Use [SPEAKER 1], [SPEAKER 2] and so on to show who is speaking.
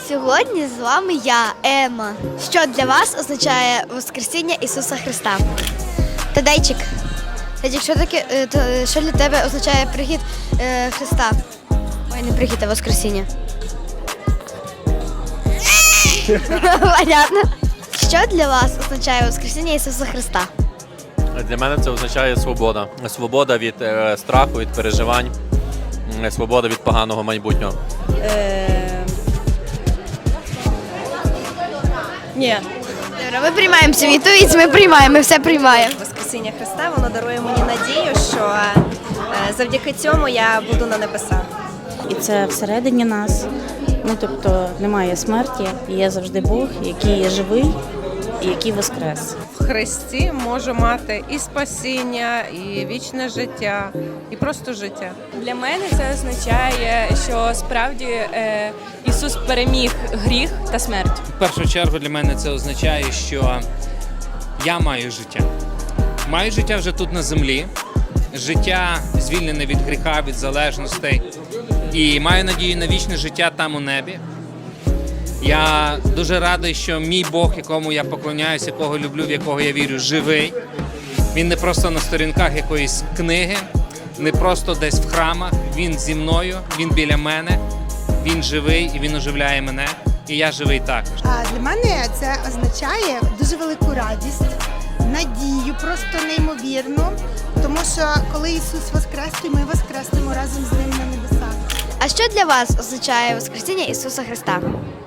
[SPEAKER 1] Сьогодні з вами я, Ема. Що для вас означає Воскресіння Ісуса Христа? Тадейчик, що таке, що для тебе означає прихід Христа? Ой, не прихід, а Воскресіння. Понятно. Що для вас означає Воскресіння Ісуса Христа?
[SPEAKER 2] Для мене це означає свобода. Свобода від страху, від переживань, свобода від поганого майбутнього.
[SPEAKER 3] Ні.
[SPEAKER 1] Добре, ми приймаємо цю відповідь, ми все приймаємо.
[SPEAKER 3] Воскресіння Христа, воно дарує мені надію, що завдяки цьому я буду на небесах.
[SPEAKER 4] І це всередині нас. Ну, тобто немає смерті, є завжди Бог, який є живий і який воскрес.
[SPEAKER 5] В Христі можу мати і спасіння, і вічне життя, і просто життя.
[SPEAKER 6] Для мене це означає, що справді Ісус переміг гріх та смерть.
[SPEAKER 7] В першу чергу для мене це означає, що я маю життя. Маю життя вже тут на землі, життя звільнене від гріха, від залежностей. І маю надію на вічне життя там у небі. Я дуже радий, що мій Бог, якому я поклоняюся, якого люблю, в якого я вірю, живий. Він не просто на сторінках якоїсь книги, не просто десь в храмах. Він зі мною, він біля мене, він живий і він оживляє мене. І я живий також.
[SPEAKER 8] Для мене це означає дуже велику радість, надію, просто неймовірну. Тому що коли Ісус воскрес, то ми воскреснемо разом з ним на небесах.
[SPEAKER 1] А що для вас означає Воскресіння Ісуса Христа?